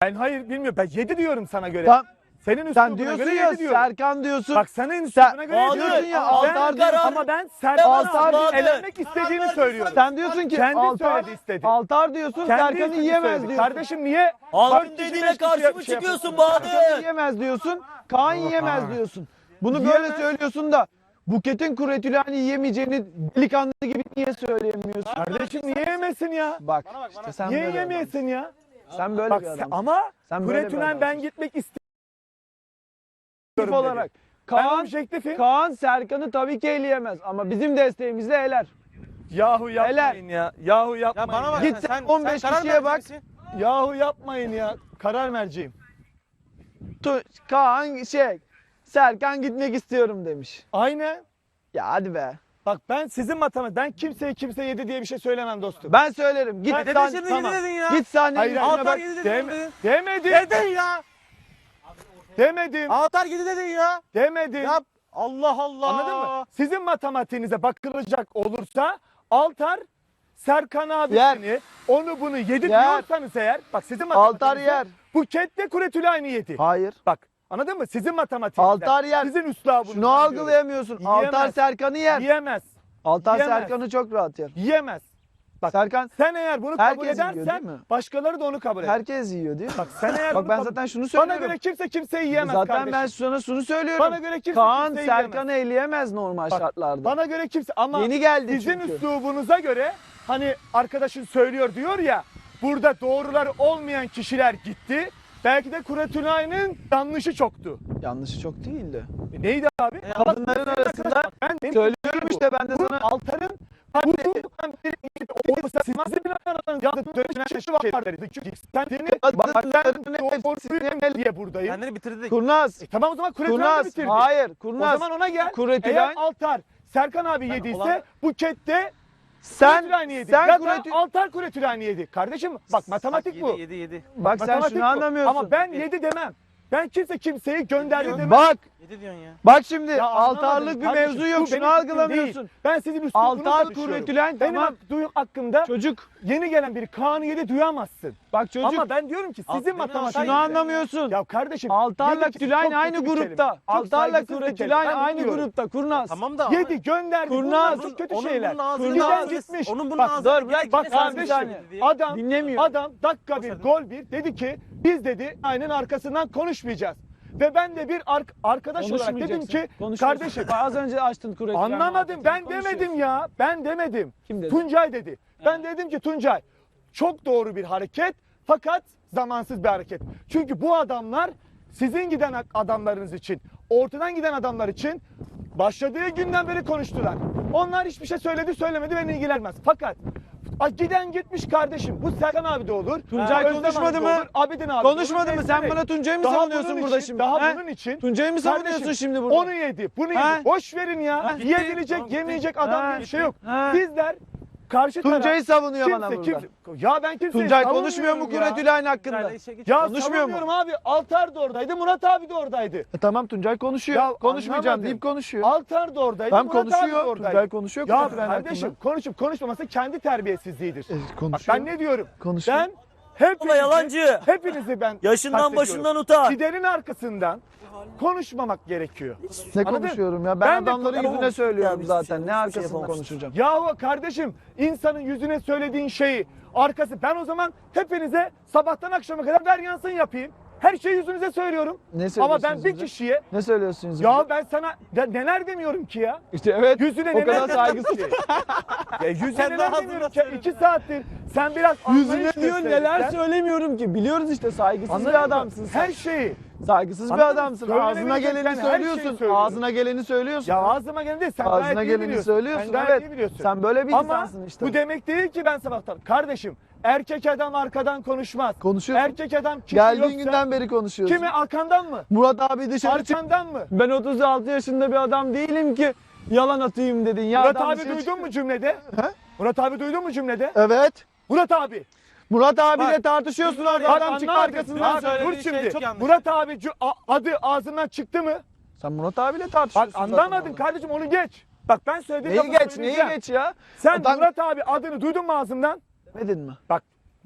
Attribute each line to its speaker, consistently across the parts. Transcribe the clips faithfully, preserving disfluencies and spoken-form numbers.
Speaker 1: Ben hayır bilmiyorum. Ben yedi diyorum sana göre.
Speaker 2: Tam,
Speaker 1: Senin üslubuna
Speaker 2: sen diyorsun
Speaker 1: göre
Speaker 2: ya
Speaker 1: yedi diyorum.
Speaker 2: Serkan diyorsun.
Speaker 1: Bak senin üslubuna göre yedi
Speaker 2: diyorsun
Speaker 1: diyorum.
Speaker 2: ya
Speaker 1: Ama ben-
Speaker 2: Altar diyorsun.
Speaker 1: Ama ben Serkan'ı
Speaker 2: Altar-
Speaker 1: elenmek istediğini söylüyorum.
Speaker 2: Sen diyorsun ki
Speaker 1: Kendi
Speaker 2: Altar,
Speaker 1: söyledi istedi.
Speaker 2: Altar diyorsun
Speaker 1: Kendi
Speaker 2: Serkan'ı
Speaker 1: istedi
Speaker 2: yiyemez
Speaker 1: söyledi.
Speaker 2: diyorsun.
Speaker 1: Kardeşim niye?
Speaker 3: Abim
Speaker 1: Dört kişi,
Speaker 3: dediğine
Speaker 1: beş kişi
Speaker 3: karşı
Speaker 1: yap-
Speaker 3: mı
Speaker 1: şey
Speaker 3: çıkıyorsun
Speaker 1: yapıyorsun?
Speaker 2: Serkan'ı
Speaker 3: Bahadır?
Speaker 2: yiyemez diyorsun. Kaan yiyemez diyorsun. Bunu böyle
Speaker 1: Yiyemez.
Speaker 2: söylüyorsun da Buket'in Kuretülen'i yiyemeyeceğini delikanlı gibi niye söyleyemiyorsun?
Speaker 1: Kardeşim niye yemesin ya?
Speaker 2: Bak işte sen
Speaker 1: Niye
Speaker 2: böyle bir
Speaker 1: yemeyesin ya?
Speaker 2: adamsın. Sen böyle
Speaker 1: Bak
Speaker 2: bir
Speaker 1: sen,
Speaker 2: adamsın.
Speaker 1: ama
Speaker 2: Sen böyle bir
Speaker 1: Kuretülen ben
Speaker 2: adamsın.
Speaker 1: gitmek
Speaker 2: Objektif
Speaker 1: istiyorum
Speaker 2: olarak.
Speaker 1: dedi. Ben
Speaker 2: Kaan,
Speaker 1: objektifim.
Speaker 2: Kaan Serkan'ı tabii ki eleyemez ama bizim desteğimizle eler.
Speaker 1: Yahu yapmayın ya. Yahu yapmayın.
Speaker 4: Ya bana bak
Speaker 1: ya.
Speaker 2: Git
Speaker 4: sen,
Speaker 2: on beş
Speaker 4: sen karar
Speaker 2: kişiye bak.
Speaker 4: verecek misin?
Speaker 1: Yahu yapmayın ya. Karar merciyim.
Speaker 2: Tu- Kaan şey Serkan gitmek istiyorum demiş.
Speaker 1: Aynen.
Speaker 2: Ya hadi be.
Speaker 1: Bak ben sizin matematik, ben kimseye kimse yedi diye bir şey söylemem dostum.
Speaker 2: Ben söylerim. Git
Speaker 1: Ben-
Speaker 4: Dede
Speaker 2: sen,
Speaker 4: şimdi
Speaker 1: tamam.
Speaker 4: yedi dedin ya.
Speaker 2: git sahnenin
Speaker 1: Hayır,
Speaker 2: üstüne
Speaker 1: hayır,
Speaker 4: Altar
Speaker 2: bak.
Speaker 4: yedi dedin.
Speaker 1: Dem
Speaker 4: dedin.
Speaker 1: demedim.
Speaker 4: Dedin ya.
Speaker 1: Demedim.
Speaker 4: Altar yedi dedin ya.
Speaker 1: Demedim.
Speaker 4: Ya Allah Allah.
Speaker 1: Anladın mı? Sizin matematiğinize bakılacak olursa Altar Serkan abisini onu bunu yedi
Speaker 2: Yer.
Speaker 1: diyorsanız eğer, bak sizin
Speaker 2: Altar
Speaker 1: matematiğinizde
Speaker 2: yer.
Speaker 1: Buket de Kuretülay'ını yedi.
Speaker 2: Hayır.
Speaker 1: Bak anladın mı? Sizin matematiğinizde.
Speaker 2: Altar yer.
Speaker 1: Sizin üslubunuz.
Speaker 2: Şunu algılayamıyorsun.
Speaker 1: Yiyemez.
Speaker 2: Altar Serkan'ı yer.
Speaker 1: Yiyemez.
Speaker 2: Altar
Speaker 1: yiyemez.
Speaker 2: Serkan'ı çok rahat yer.
Speaker 1: Yiyemez. Bak
Speaker 2: Serkan
Speaker 1: sen eğer bunu
Speaker 2: Herkes
Speaker 1: kabul
Speaker 2: yiyor,
Speaker 1: edersen
Speaker 2: değil mi?
Speaker 1: başkaları da onu kabul eder.
Speaker 2: herkes yiyor değil mi?
Speaker 1: Bak sen eğer
Speaker 2: Bak
Speaker 1: bunu
Speaker 2: ben
Speaker 1: kabul-
Speaker 2: zaten şunu
Speaker 1: Bana
Speaker 2: söylüyorum.
Speaker 1: göre kimse kimseyi yiyemez
Speaker 2: Zaten
Speaker 1: kardeşim.
Speaker 2: ben sana şunu söylüyorum.
Speaker 1: Bana göre kimse
Speaker 2: Kaan
Speaker 1: kimseyi
Speaker 2: Serkan'ı eleyemez normal
Speaker 1: Bak,
Speaker 2: şartlarda.
Speaker 1: Bana göre kimse ama
Speaker 2: Yeni geldi
Speaker 1: sizin
Speaker 2: çünkü.
Speaker 1: üslubunuza göre hani arkadaşın söylüyor diyor ya, burada doğrular olmayan kişiler gitti. Belki de Kuretülay'ın yanlışı çoktu.
Speaker 2: Yanlışı çok değildi.
Speaker 1: E neydi abi?
Speaker 2: Kadınların arasında
Speaker 1: Ben benim
Speaker 2: söylüyorum işte ben de
Speaker 1: bu
Speaker 2: sana.
Speaker 1: Altar'ın bu sizin aranızda dönüşen şey var dedi. Çünkü sen seni
Speaker 2: Bak,
Speaker 1: sen doğru diye buradayım.
Speaker 4: Kendini bitirdik.
Speaker 2: Kurnaz.
Speaker 1: E tamam o zaman Kuretülay'ı
Speaker 2: Kurnaz.
Speaker 1: bitirdi.
Speaker 2: Hayır.
Speaker 1: O
Speaker 2: Kurnaz.
Speaker 1: zaman ona gel.
Speaker 2: Kuretülay-
Speaker 1: Eğer Altar Serkan abi
Speaker 4: Ben
Speaker 1: yediyse
Speaker 4: olan-
Speaker 1: Buket'te
Speaker 2: Sen
Speaker 1: Kuretülay'ını yedi.
Speaker 2: sen
Speaker 1: ya
Speaker 2: Kuretü-
Speaker 1: da Altar Kuretülay'ını yedi. Kardeşim bak matematik
Speaker 4: Bak,
Speaker 1: bu.
Speaker 4: Yedi yedi yedi.
Speaker 2: Bak sen
Speaker 1: Matematik
Speaker 2: şunu
Speaker 1: bu.
Speaker 2: anlamıyorsun.
Speaker 1: Ama ben yedi demem. Ben kimse kimseyi gönderdi demem.
Speaker 2: Bak
Speaker 4: Yedi diyorsun ya.
Speaker 2: bak şimdi
Speaker 1: Ya anlamadım
Speaker 2: altarlık bir
Speaker 1: kardeşim.
Speaker 2: mevzu
Speaker 1: Bu
Speaker 2: yok.
Speaker 1: benim
Speaker 2: Şunu
Speaker 1: fikrim
Speaker 2: algılamıyorsun.
Speaker 1: değil. Ben sizin üslubunuzu
Speaker 2: Altar
Speaker 1: konuşuyorum.
Speaker 2: Kuretülen
Speaker 1: Benim
Speaker 2: tamam.
Speaker 1: hak- duyum hakkında
Speaker 2: Çocuk.
Speaker 1: yeni gelen biri Kaan'ı yedi duyamazsın.
Speaker 2: Bak çocuk.
Speaker 1: Ama ben diyorum ki
Speaker 4: Alt-
Speaker 1: sizin
Speaker 4: benim
Speaker 1: matematik.
Speaker 2: şunu anlamıyorsun.
Speaker 1: Ya kardeşim.
Speaker 2: Altarla
Speaker 1: yedi-
Speaker 2: Tülayn
Speaker 1: çok
Speaker 2: aynı
Speaker 1: kötü bir kelime.
Speaker 2: grupta.
Speaker 1: Çok
Speaker 2: Altarla
Speaker 1: saygısız bir
Speaker 2: Kuretülayn
Speaker 1: kelime. Ben
Speaker 2: aynı
Speaker 1: diyorum.
Speaker 2: grupta. Kurnaz.
Speaker 4: Tamam da.
Speaker 1: Yedi gönderdi.
Speaker 2: Kurnaz.
Speaker 1: Bunlar çok kötü
Speaker 4: Onun
Speaker 1: şeyler.
Speaker 4: bunun ağzını
Speaker 2: Kurnaz.
Speaker 1: Giden gitmiş.
Speaker 4: Onun bunun
Speaker 1: Bak,
Speaker 4: ağzını
Speaker 2: dur, bırak.
Speaker 1: Bak
Speaker 2: Yine sen bir
Speaker 1: kardeşim
Speaker 2: saniye.
Speaker 1: adam
Speaker 2: Dinlemiyor.
Speaker 1: adam dakika bir gol bir dedi ki biz dedi aynen arkasından konuşmayacağız. Ve ben de bir ar- arkadaş olarak dedim
Speaker 2: Konuşmayacaksın.
Speaker 1: ki
Speaker 2: Konuşuyorsun.
Speaker 1: kardeşim
Speaker 2: Az önce açtın Kuretülen.
Speaker 1: anlamadım ben
Speaker 2: Konuşuyorsun.
Speaker 1: demedim ya ben demedim.
Speaker 2: Kim dedi?
Speaker 1: Tuncay dedi. Ben dedim ki Tuncay çok doğru bir hareket fakat zamansız bir hareket. Çünkü bu adamlar sizin giden adamlarınız için ortadan giden adamlar için başladığı günden beri konuştular. Onlar hiçbir şey söyledi söylemedi beni ilgilenmez. Fakat a, giden gitmiş kardeşim. Bu Serkan abi de olur.
Speaker 2: Tuncay
Speaker 1: Özlem
Speaker 2: konuşmadı
Speaker 1: abi de
Speaker 2: mı?
Speaker 1: olur, Abidin abi de
Speaker 2: Konuşmadı
Speaker 1: olur,
Speaker 2: mı? Sen
Speaker 1: neyse.
Speaker 2: bana Tuncay'ı mı
Speaker 1: Daha
Speaker 2: savunuyorsun
Speaker 1: bunun
Speaker 2: burada
Speaker 1: için-
Speaker 2: şimdi?
Speaker 1: Daha
Speaker 2: He?
Speaker 1: bunun için.
Speaker 2: Tuncay'ı mı savunuyorsun
Speaker 1: Kardeşim,
Speaker 2: şimdi burada?
Speaker 1: Onu yedi, bunu
Speaker 2: He?
Speaker 1: yedi. Boş verin ya.
Speaker 2: He?
Speaker 1: Yiyebilecek,
Speaker 4: Tamam,
Speaker 1: yemeyecek
Speaker 4: gitti.
Speaker 1: adam
Speaker 2: He?
Speaker 1: diye bir şey yok.
Speaker 2: He?
Speaker 1: Bizler karşı taraf.
Speaker 2: Tuncay'ı savunuyor
Speaker 1: kimse,
Speaker 2: bana burada.
Speaker 1: kimse, ya ben kimseyi
Speaker 2: Tuncay konuşmuyor mu
Speaker 1: savunmuyorum ya.
Speaker 2: Kuretülen hakkında?
Speaker 4: Tuncay'la işe geç.
Speaker 1: Ya
Speaker 2: Konuşmuyor mu?
Speaker 1: savunmuyorum abi. Altar da oradaydı, Murat abi de oradaydı.
Speaker 2: E tamam Tuncay konuşuyor.
Speaker 1: Ya
Speaker 2: Konuşmayacağım
Speaker 1: anlamadım.
Speaker 2: deyip konuşuyor.
Speaker 1: Altar da oradaydı,
Speaker 2: Tam
Speaker 1: Murat abi de
Speaker 2: konuşuyor.
Speaker 1: oradaydı.
Speaker 2: Tuncay konuşuyor
Speaker 1: Ya
Speaker 2: Kuretülen
Speaker 1: kardeşim
Speaker 2: hakkında.
Speaker 1: konuşup konuşmaması kendi terbiyesizliğidir.
Speaker 2: E,
Speaker 1: Bak
Speaker 2: konuşuyor.
Speaker 1: ben ne diyorum?
Speaker 2: Konuşuyor.
Speaker 1: Ben hepinizi,
Speaker 3: Ulan yalancı.
Speaker 1: hepinizi ben
Speaker 3: Yaşından
Speaker 1: kastediyorum.
Speaker 3: başından utan.
Speaker 1: Giderin arkasından konuşmamak gerekiyor.
Speaker 2: Ne
Speaker 1: Anladın?
Speaker 2: konuşuyorum ya? Ben,
Speaker 1: Ben de-
Speaker 2: adamların
Speaker 1: Tamam.
Speaker 2: yüzüne söylüyorum
Speaker 3: Ya biz
Speaker 2: zaten.
Speaker 3: bir şey-
Speaker 2: Ne
Speaker 3: bir şey
Speaker 2: arkasında
Speaker 3: yapamamışız.
Speaker 2: konuşacağım?
Speaker 1: Yahu kardeşim insanın yüzüne söylediğin şeyi arkası ben o zaman hepinize sabahtan akşama kadar ver yansın yapayım. Her şeyi yüzünüze söylüyorum.
Speaker 2: Ne
Speaker 1: Ama
Speaker 2: söylüyorsun
Speaker 1: ben bir
Speaker 2: yüzünüze?
Speaker 1: kişiye
Speaker 2: Ne söylüyorsun yüzüne?
Speaker 1: ya ben sana ya neler demiyorum ki ya.
Speaker 2: İşte evet.
Speaker 1: Yüzüne
Speaker 2: o
Speaker 1: neler
Speaker 2: kadar
Speaker 1: demiyorum
Speaker 2: saygısız.
Speaker 1: ki. Ya yüzüne
Speaker 4: Sen
Speaker 1: neler
Speaker 4: daha
Speaker 1: demiyorum
Speaker 4: hazırla
Speaker 1: ki.
Speaker 4: söyle.
Speaker 1: İki saattir sen biraz anlayış
Speaker 2: Yüzüne diyor
Speaker 1: gösterirsen-
Speaker 2: neler söylemiyorum ki. Biliyoruz işte saygısız
Speaker 1: Anladın
Speaker 2: bir
Speaker 1: mı?
Speaker 2: adamsın sen.
Speaker 1: Her şeyi.
Speaker 2: Saygısız bir
Speaker 1: Anladın mı?
Speaker 2: adamsın.
Speaker 1: Söylenebilecek
Speaker 2: Ağzına geleni
Speaker 1: ben her şeyi
Speaker 2: söylüyorsun.
Speaker 1: söylüyorum.
Speaker 2: Ağzına geleni söylüyorsun.
Speaker 1: Ya ağzıma geleni değil sen
Speaker 2: Ağzına
Speaker 1: gayet iyi
Speaker 2: geleni
Speaker 1: biliyorsun.
Speaker 2: söylüyorsun.
Speaker 1: Sen gayet
Speaker 2: Evet.
Speaker 1: iyi biliyorsun.
Speaker 2: Sen böyle bir
Speaker 1: Ama
Speaker 2: insansın işte.
Speaker 1: bu demek değil ki ben sabahtan. Kardeşim erkek adam arkadan konuşmaz.
Speaker 2: Konuşuyorsun.
Speaker 1: Erkek adam kim
Speaker 2: Geldiğin
Speaker 1: yoksa,
Speaker 2: günden beri konuşuyorsun.
Speaker 1: kimi arkandan mı?
Speaker 2: Murat abi dışarı çık.
Speaker 1: Arkandan mı?
Speaker 2: Ben otuz altı yaşında bir adam değilim ki yalan atayım dedin. Ya
Speaker 1: Murat
Speaker 2: adam
Speaker 1: abi
Speaker 2: dışarı
Speaker 1: duydun
Speaker 2: çık-
Speaker 1: mu cümlede?
Speaker 2: He?
Speaker 1: Murat abi duydun mu cümlede?
Speaker 2: Evet.
Speaker 1: Murat abi.
Speaker 2: Murat abiyle
Speaker 1: Bak.
Speaker 2: tartışıyorsun orada.
Speaker 1: Bak,
Speaker 2: Adam çıktı
Speaker 1: anlamadım.
Speaker 2: arkasından
Speaker 1: Bak,
Speaker 2: söyledi.
Speaker 1: dur
Speaker 4: söylediğin şey
Speaker 1: şimdi.
Speaker 4: çok yanlış.
Speaker 1: Murat abi cu- a- adı ağzından çıktı mı?
Speaker 2: Sen Murat abiyle
Speaker 1: Bak
Speaker 2: tartışıyorsun. zaten
Speaker 1: anlamadın
Speaker 2: orada.
Speaker 1: kardeşim onu geç. Bak ben söylediğim
Speaker 2: Neyi
Speaker 1: lafı
Speaker 2: geç, neyi
Speaker 1: söyleyeceğim.
Speaker 2: geç ya?
Speaker 1: Sen
Speaker 2: Adam-
Speaker 1: Murat abi adını duydun mu ağzımdan?
Speaker 2: Demedin mi?
Speaker 1: Bak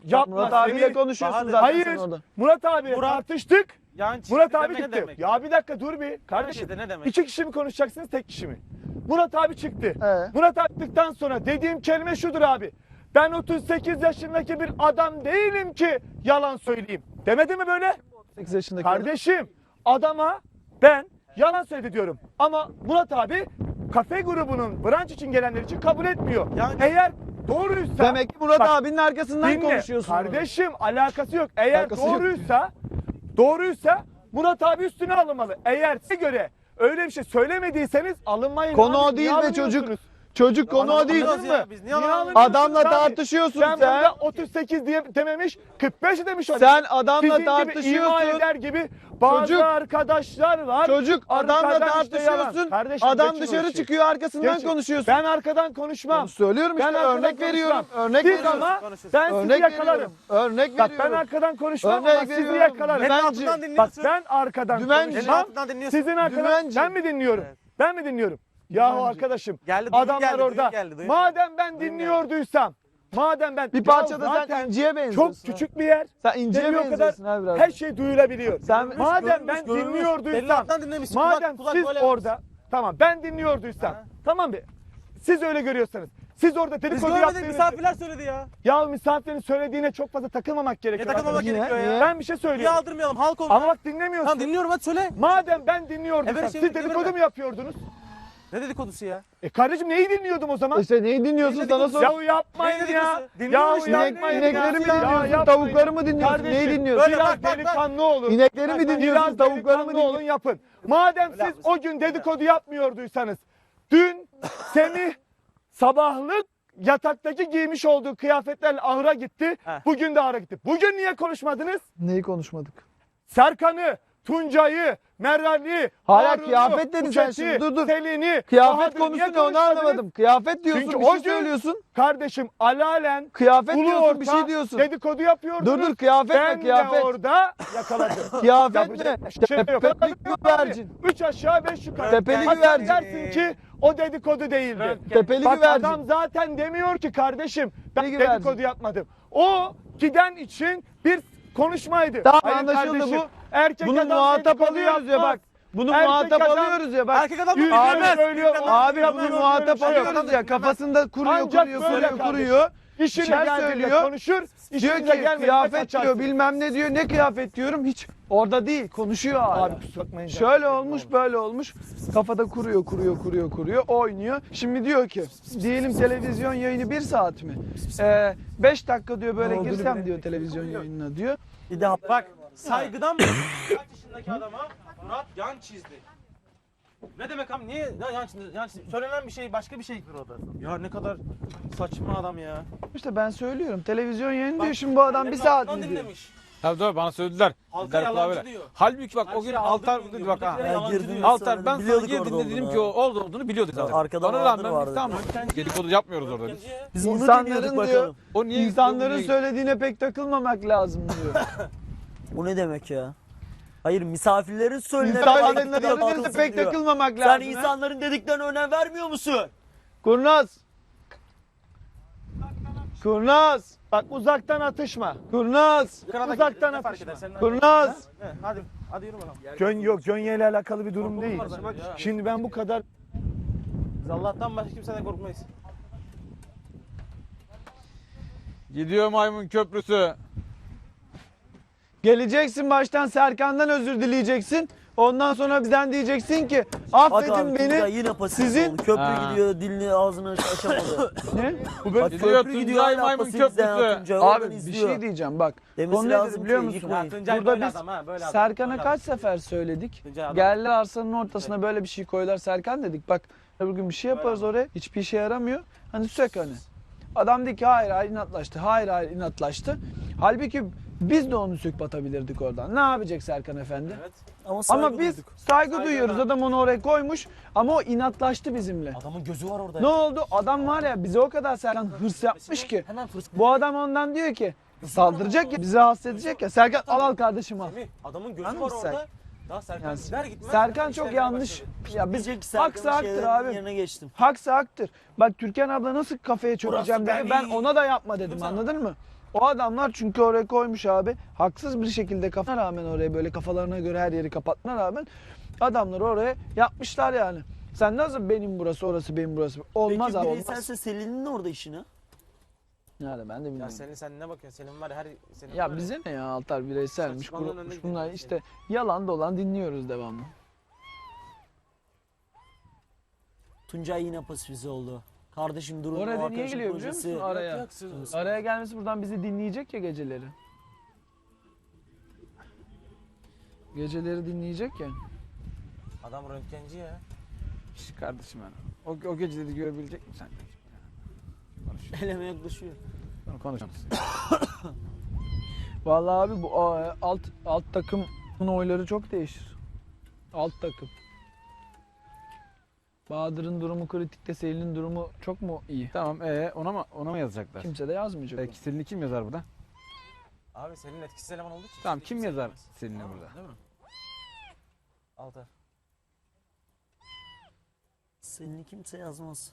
Speaker 1: Yapma
Speaker 2: Murat abiyle
Speaker 1: Semih.
Speaker 2: konuşuyorsun
Speaker 4: Bahadır,
Speaker 2: zaten
Speaker 1: Hayır.
Speaker 2: sen orada.
Speaker 1: Murat abiyle
Speaker 4: Murat-
Speaker 1: tartıştık.
Speaker 4: Yan çizgi
Speaker 1: Murat abi
Speaker 4: demek ne
Speaker 1: çıktı.
Speaker 4: demek?
Speaker 1: Ya bir dakika dur bir. Kardeşim.
Speaker 4: Kardeşim ne demek?
Speaker 1: İki kişi mi konuşacaksınız tek kişi mi? Murat abi çıktı.
Speaker 2: Ee?
Speaker 1: Murat attıktan sonra dediğim kelime şudur abi. Ben otuz sekiz yaşındaki bir adam değilim ki yalan söyleyeyim. Demedi mi böyle?
Speaker 2: sekiz yaşındaki.
Speaker 1: Kardeşim adama ben yalan söyledi diyorum. Ama Murat abi kafe grubunun branş için gelenler için kabul etmiyor.
Speaker 4: Yani-
Speaker 1: Eğer doğruysa
Speaker 2: Demek ki Murat
Speaker 1: Bak,
Speaker 2: abinin arkasından
Speaker 1: dinle.
Speaker 2: konuşuyorsun. orada.
Speaker 1: Kardeşim alakası yok. Eğer
Speaker 2: Alakası yok.
Speaker 1: doğruysa doğruysa Murat abi üstüne alınmalı. Eğer size göre öyle bir şey söylemediyseniz alınmayın.
Speaker 2: Konu
Speaker 1: abi.
Speaker 2: o değil
Speaker 1: Niye
Speaker 2: be çocuk.
Speaker 1: alınıyorsunuz?
Speaker 2: Çocuk konu o değil.
Speaker 4: Anladınız ya, biz niye
Speaker 1: Niye
Speaker 4: anlamadık?
Speaker 1: alınıyorsunuz
Speaker 2: Adamla
Speaker 1: abi?
Speaker 2: tartışıyorsun
Speaker 1: Sen
Speaker 2: sen.
Speaker 1: burada otuz sekiz diye dememiş kırk beş demiş o.
Speaker 2: Sen adamla
Speaker 1: Sizin gibi
Speaker 2: tartışıyorsun.
Speaker 1: ima eder gibi bazı
Speaker 2: Çocuk-
Speaker 1: arkadaşlar var.
Speaker 2: Çocuk adamla
Speaker 1: Arkadan işte yalan.
Speaker 2: tartışıyorsun.
Speaker 1: Kardeşim,
Speaker 2: Adam
Speaker 1: geçin o
Speaker 2: dışarı
Speaker 1: işi.
Speaker 2: çıkıyor arkasından
Speaker 1: Geçin.
Speaker 2: konuşuyorsun.
Speaker 1: Ben arkadan konuşmam.
Speaker 2: Onu söylüyorum işte
Speaker 1: Ben arkadan
Speaker 2: örnek veriyorum.
Speaker 1: konuşmam.
Speaker 2: Örnek
Speaker 1: Siz
Speaker 2: veriyorum.
Speaker 1: ama
Speaker 4: Konuşuruz.
Speaker 1: ben sizi
Speaker 2: Örnek
Speaker 1: yakalarım.
Speaker 2: veriyorum. Örnek
Speaker 1: Bak
Speaker 2: veriyorum.
Speaker 1: ben arkadan konuşmam
Speaker 2: Örnek
Speaker 1: ama sizi
Speaker 2: veriyorum.
Speaker 1: yakalarım.
Speaker 2: Ben-
Speaker 4: Senin
Speaker 2: Dümenci.
Speaker 4: altından
Speaker 1: Bak
Speaker 4: dinliyorsun.
Speaker 1: ben arkadan
Speaker 2: Dümenci.
Speaker 4: Senin
Speaker 1: konuşmam.
Speaker 4: altından dinliyorsun.
Speaker 1: Sizin arkadan
Speaker 2: Dümenci.
Speaker 1: ben mi dinliyorum?
Speaker 4: Evet.
Speaker 1: Ben mi dinliyorum? Yahu
Speaker 2: Dümenci.
Speaker 1: arkadaşım
Speaker 4: Geldi, duyum
Speaker 1: adamlar
Speaker 4: geldi, duyum
Speaker 1: orada.
Speaker 4: geldi, duyum
Speaker 1: Madem ben
Speaker 4: Duyum
Speaker 1: dinliyorduysam madem ben
Speaker 2: Bir
Speaker 1: Ya
Speaker 2: parçada
Speaker 1: zaten
Speaker 2: sen inciye benziyorsun.
Speaker 1: çok küçük bir yer.
Speaker 2: Sen inciye
Speaker 1: Demiyor kadar
Speaker 2: benziyorsun ha biraz.
Speaker 1: her şey duyulabiliyor.
Speaker 2: Sen-
Speaker 1: madem ben
Speaker 4: Görmüş, görmüş. Senin
Speaker 1: dinliyorduysam
Speaker 4: altından dinlemişsin.
Speaker 1: madem
Speaker 4: Kulak- kulak
Speaker 1: siz
Speaker 4: böyle
Speaker 1: orada tamam ben dinliyorduysam
Speaker 4: Ha.
Speaker 1: tamam mı? Siz öyle görüyorsanız. Siz orada
Speaker 4: Biz
Speaker 1: dedikodu
Speaker 4: görmedik,
Speaker 1: yaptığınızı.
Speaker 4: misafirler söyledi ya.
Speaker 1: Ya misafirin söylediğine çok fazla takılmamak gerekiyor.
Speaker 4: Ne takılmamak
Speaker 1: arkadaşlar.
Speaker 2: Niye?
Speaker 4: gerekiyor ya.
Speaker 1: Ben bir şey
Speaker 4: Niye
Speaker 1: söylüyorum.
Speaker 4: aldırmayalım halk oldu.
Speaker 1: Ama bak dinlemiyorsun.
Speaker 4: Tamam dinliyorum hadi söyle.
Speaker 1: Madem ben dinliyordum,
Speaker 4: Evet,
Speaker 1: siz
Speaker 4: şimdi
Speaker 1: dedikodu
Speaker 4: dinliyorum
Speaker 1: mu yapıyordunuz?
Speaker 4: Ne dedikodusu ya?
Speaker 1: E kardeşim neyi dinliyordum o zaman?
Speaker 2: İşte neyi dinliyorsun
Speaker 4: Neyi
Speaker 2: sana
Speaker 4: dedikodusu?
Speaker 2: sor.
Speaker 1: Yahu yapmayın
Speaker 4: Neyi
Speaker 1: ya.
Speaker 4: dedikodusu? Dinliyorum
Speaker 1: Yahu
Speaker 4: işte.
Speaker 2: İnek,
Speaker 1: yapmayın
Speaker 2: inekleri
Speaker 1: ya.
Speaker 2: mi
Speaker 1: Ya
Speaker 2: dinliyorsun?
Speaker 1: yapmayın.
Speaker 2: Tavukları mı dinliyorsun?
Speaker 1: Kardeşim,
Speaker 2: Neyi dinliyorsun?
Speaker 4: Böyle
Speaker 1: Biraz
Speaker 4: bak, bak, bak.
Speaker 1: delikanlı olun.
Speaker 2: İnekleri mi
Speaker 1: Biraz
Speaker 2: dinliyorsun? Tavukları mı
Speaker 1: delikanlı
Speaker 2: dinliyorsun?
Speaker 1: olun yapın. Madem siz
Speaker 4: haklısın.
Speaker 1: o gün dedikodu yapmıyorduysanız dün Semih sabahlık yataktaki giymiş olduğu kıyafetlerle ahıra gitti.
Speaker 4: Heh.
Speaker 1: Bugün de ahıra gitti. Bugün niye konuşmadınız?
Speaker 2: Neyi konuşmadık?
Speaker 1: Serkan'ı, Tuncay'ı, Meral'i,
Speaker 2: Hala
Speaker 1: Harun'u,
Speaker 2: kıyafet dedin sen
Speaker 1: Buket'i,
Speaker 2: şimdi, dur, dur.
Speaker 1: Selin'i,
Speaker 2: Kıyafet
Speaker 1: Bahadır'ı
Speaker 2: konusu
Speaker 1: niye
Speaker 2: ne onu
Speaker 1: konuşmadınız?
Speaker 2: anlamadım. Kıyafet diyorsun
Speaker 1: Çünkü
Speaker 2: bir
Speaker 1: o
Speaker 2: şey
Speaker 1: gün-
Speaker 2: söylüyorsun.
Speaker 1: Kardeşim alalen
Speaker 2: Kıyafet
Speaker 1: ulu
Speaker 2: diyorsun bir
Speaker 1: orta
Speaker 2: şey diyorsun.
Speaker 1: dedikodu yapıyordunuz.
Speaker 2: Dur dur kıyafet
Speaker 1: Ben
Speaker 2: ne kıyafet?
Speaker 1: de orada yakaladım.
Speaker 2: Kıyafet
Speaker 1: Yapacak
Speaker 2: ne?
Speaker 1: bir şey yok.
Speaker 2: Tepeli güvercin.
Speaker 1: Üç aşağı beş yukarı.
Speaker 2: Tepeli
Speaker 1: Hatta
Speaker 2: güvercin.
Speaker 1: dersin ki o dedikodu değildi.
Speaker 2: Tepeli
Speaker 1: Bak
Speaker 2: güvercin.
Speaker 1: adam zaten demiyor ki kardeşim ben
Speaker 2: Tepeli güvercin.
Speaker 1: dedikodu yapmadım. O giden için bir konuşmaydı.
Speaker 2: Tamam,
Speaker 1: Hayır
Speaker 2: anlaşıldı
Speaker 1: kardeşim,
Speaker 2: bu.
Speaker 1: Erkek
Speaker 2: Bunu
Speaker 1: adam
Speaker 2: muhatap
Speaker 1: dedikodu
Speaker 2: alıyoruz ya
Speaker 1: yapmaz.
Speaker 2: bak. Bunu
Speaker 1: Erkek
Speaker 2: muhatap
Speaker 1: adam-
Speaker 2: alıyoruz ya bak.
Speaker 4: Erkek adam
Speaker 1: Yüzüne
Speaker 4: bunu
Speaker 2: Ahmet,
Speaker 4: dinlemez.
Speaker 1: söylüyor.
Speaker 4: Dinlemez.
Speaker 2: Abi
Speaker 1: Dinlemez.
Speaker 2: bunu
Speaker 1: Dinlemez.
Speaker 2: muhatap
Speaker 1: Dinlemez.
Speaker 2: alıyoruz ya. Kafasında kuruyor
Speaker 1: Ancak
Speaker 2: kuruyor
Speaker 1: böyle
Speaker 2: kuruyor
Speaker 1: kardeşim.
Speaker 2: kuruyor.
Speaker 1: İşine
Speaker 2: şeyler
Speaker 1: geldiğinde
Speaker 2: söylüyor.
Speaker 1: konuşur.
Speaker 2: Diyor
Speaker 1: işinize
Speaker 2: ki
Speaker 1: gelmediğinde
Speaker 2: kıyafet
Speaker 1: kaçarsın.
Speaker 2: diyor bilmem ne diyor. Ne kıyafet diyorum hiç orada değil konuşuyor hala.
Speaker 1: Abi kusura bakmayın.
Speaker 2: Şöyle olmuş böyle olmuş. Kafada kuruyor kuruyor kuruyor kuruyor oynuyor. Şimdi diyor ki diyelim televizyon yayını bir saat mi? Ee, beş dakika diyor böyle girsem diyor televizyon yayınına diyor.
Speaker 4: Bir daha bak saygıdan mı? Kaç yaşındaki adama Murat yan çizdi. Ne demek abi niye ya yan çizdi? Yan çizdi. Söylenen bir şey başka bir şeydir o da. Ya ne kadar saçma adam ya.
Speaker 2: İşte ben söylüyorum televizyon yayını diyor
Speaker 4: Bak,
Speaker 2: şimdi bu adam bir
Speaker 4: Senin
Speaker 2: saat
Speaker 4: altından
Speaker 2: mi diyor.
Speaker 4: dinlemiş.
Speaker 3: Tabii tabii bana söylediler.
Speaker 4: Halka
Speaker 3: Dediler kulağa
Speaker 4: yalancı
Speaker 3: böyle.
Speaker 4: diyor.
Speaker 3: Halbuki bak
Speaker 4: Her
Speaker 3: o gün
Speaker 4: şeyi
Speaker 3: Altar
Speaker 4: aldırmıyor
Speaker 3: dedi
Speaker 4: diyor.
Speaker 3: bak ha.
Speaker 4: Buradakileri yalancı
Speaker 5: girdiğimiz
Speaker 4: diyor.
Speaker 3: Altar
Speaker 5: söyledim,
Speaker 3: ben sana
Speaker 5: biliyorduk
Speaker 3: girdiğinde
Speaker 5: orada
Speaker 3: dedim
Speaker 5: olduğunu
Speaker 3: ki o
Speaker 5: ha.
Speaker 3: orada olduğunu biliyordu zaten.
Speaker 5: Arkada
Speaker 3: Bana
Speaker 5: Bahadır
Speaker 3: rağmen
Speaker 5: vardı.
Speaker 3: biz tamam dedikodu yapmıyoruz orada biz.
Speaker 5: Biz bunu
Speaker 2: İnsanların
Speaker 5: dinliyorduk
Speaker 2: diyor,
Speaker 5: bakalım.
Speaker 3: O niye
Speaker 2: İnsanların
Speaker 3: gidiyor, bu niye
Speaker 2: söylediğine pek takılmamak lazım diyor.
Speaker 5: Bu ne demek ya? Hayır misafirlerin söylediğine
Speaker 2: İnsanların
Speaker 5: pek
Speaker 2: dediklerine pek
Speaker 5: diyor.
Speaker 2: takılmamak
Speaker 5: Sen
Speaker 2: lazım. ha?
Speaker 5: insanların dediklerine önem vermiyor musun?
Speaker 2: Kurnaz. Kurnaz.
Speaker 1: Bak uzaktan atışma.
Speaker 2: Kurnaz.
Speaker 4: Kanada
Speaker 1: Uzaktan
Speaker 4: ne fark
Speaker 1: atışma.
Speaker 4: eder? Senin-
Speaker 2: Kurnaz.
Speaker 4: He, Hadi hadi yürü bakalım.
Speaker 1: Gön yok Gönye ile alakalı bir durum değil.
Speaker 4: Korkulmaz bak ya.
Speaker 1: Şimdi ben bu kadar
Speaker 4: Biz Allah'tan başka kimseden korkmayız.
Speaker 3: Gidiyor maymun köprüsü.
Speaker 2: Geleceksin baştan Serkan'dan özür dileyeceksin. Ondan sonra bizden diyeceksin ki
Speaker 5: Bak
Speaker 2: affedin
Speaker 5: abi
Speaker 2: beni.
Speaker 5: Tuncay yine pasif
Speaker 2: sizin-
Speaker 5: oldu. Köprü
Speaker 3: Ha.
Speaker 5: gidiyor dilini ağzını açamadı.
Speaker 2: Ne?
Speaker 1: bu
Speaker 5: Bak
Speaker 3: Gidiyor
Speaker 5: köprü gidiyor
Speaker 3: Tuncay
Speaker 5: hala
Speaker 3: maymun
Speaker 5: pasif izleyen
Speaker 3: köprüsü.
Speaker 5: Tuncay oradan
Speaker 2: Abi bir
Speaker 5: izliyor.
Speaker 2: şey diyeceğim bak.
Speaker 5: Demesi
Speaker 2: Konu nedir
Speaker 5: lazım
Speaker 2: biliyor
Speaker 5: ki,
Speaker 2: musun?
Speaker 5: yıkmayın.
Speaker 4: Tuncay
Speaker 2: Burada
Speaker 4: böyle
Speaker 2: biz
Speaker 4: adam ha, böyle adam.
Speaker 2: Serkan'a
Speaker 4: Böyle
Speaker 2: kaç sefer söyledik.
Speaker 4: Tuncay adam.
Speaker 2: Geldiler arsanın ortasına böyle bir şey koydular Serkan dedik. Bak bugün bir şey yaparız oraya. Hiçbir işe yaramıyor. Hani sök hani. Adam dedi ki hayır hayır inatlaştı. Hayır hayır inatlaştı. Halbuki biz de onu sök batabilirdik oradan. Ne yapacak Serkan Efendi?
Speaker 4: Evet.
Speaker 5: Ama, saygı
Speaker 2: Ama biz
Speaker 5: duyduk.
Speaker 2: saygı
Speaker 4: Saygı
Speaker 2: duyuyoruz.
Speaker 4: da-
Speaker 2: Adam onu oraya koymuş ama o inatlaştı bizimle.
Speaker 5: Adamın gözü var orada.
Speaker 2: Ne oldu? Adam var ya bize o kadar Serkan hırs yapmış ki.
Speaker 5: Hemen fırs.
Speaker 2: Bu adam ondan diyor ki saldıracak ya bizi rahatsız edecek ya. Serkan al al kardeşim al.
Speaker 4: Semih, adamın gözü
Speaker 2: Anladın
Speaker 4: var
Speaker 2: mı sen?
Speaker 4: orada. Daha Serkan
Speaker 2: Yani
Speaker 4: gider gitmez.
Speaker 2: Serkan çok
Speaker 4: işlerine
Speaker 2: yanlış.
Speaker 4: başladı.
Speaker 2: Ya biz
Speaker 5: Diyecek ki
Speaker 2: haksa
Speaker 5: Serkan'ın
Speaker 2: haktır
Speaker 5: şeylerinin
Speaker 2: abi.
Speaker 5: yerine geçtim.
Speaker 2: Haksa haktır. Bak Türkan abla nasıl kafeye çökeceğim
Speaker 5: Burası
Speaker 2: dedi. Ben
Speaker 5: benim.
Speaker 2: ona da yapma dedim anladın mı? O adamlar çünkü oraya koymuş abi. Haksız bir şekilde kafana rağmen oraya böyle kafalarına göre her yeri kapatmana rağmen adamlar oraya yapmışlar yani. Sen nasıl benim burası orası benim burası. Olmaz
Speaker 5: Peki
Speaker 2: abi
Speaker 5: bireyselse
Speaker 2: olmaz.
Speaker 5: Selin'in orada işi ne?
Speaker 2: Yani ben de
Speaker 4: Ya
Speaker 2: bilmiyorum.
Speaker 4: senin sen ne bakıyorsun? Senin var ya her senin
Speaker 2: Ya
Speaker 4: var
Speaker 2: bize ne ya Altar bireyselmiş,
Speaker 4: Saçmalığın önüne
Speaker 2: grupmuş
Speaker 4: gidiyor
Speaker 2: bunlar
Speaker 4: yani.
Speaker 2: işte yalan dolan dinliyoruz devamlı.
Speaker 5: Tuncay yine pasifize oldu. Kardeşim durun. o
Speaker 2: Oraya niye
Speaker 5: arkadaşın
Speaker 2: geliyor biliyor
Speaker 5: projesi-
Speaker 2: musun araya?
Speaker 4: Yok, yok, siz-
Speaker 2: Araya gelmesi buradan bizi dinleyecek ya geceleri. Geceleri dinleyecek ya.
Speaker 4: Adam röntgenci ya.
Speaker 3: Şş, kardeşim yani. O, o geceleri görebilecek misin sen? Konuş.
Speaker 5: Eleme yaklaşıyor.
Speaker 3: Konuşalım.
Speaker 2: Vallahi abi bu a, alt alt takımın oyları çok değişir. Alt takım. Bahadır'ın durumu kritikte, Selin'in durumu çok mu iyi?
Speaker 3: Tamam ee ona mı ona mı yazacaklar?
Speaker 2: Kimse de yazmayacak.
Speaker 3: Peki Selin'i kim yazar burada?
Speaker 4: Abi senin etkisiz eleman olduğu için.
Speaker 3: Tamam
Speaker 4: seni
Speaker 3: kim
Speaker 4: kimse
Speaker 3: yazar
Speaker 4: bilmez.
Speaker 3: Selin'i
Speaker 4: Tamam,
Speaker 3: burada?
Speaker 4: Değil mi? Altar.
Speaker 5: Selin'i kimse yazmaz.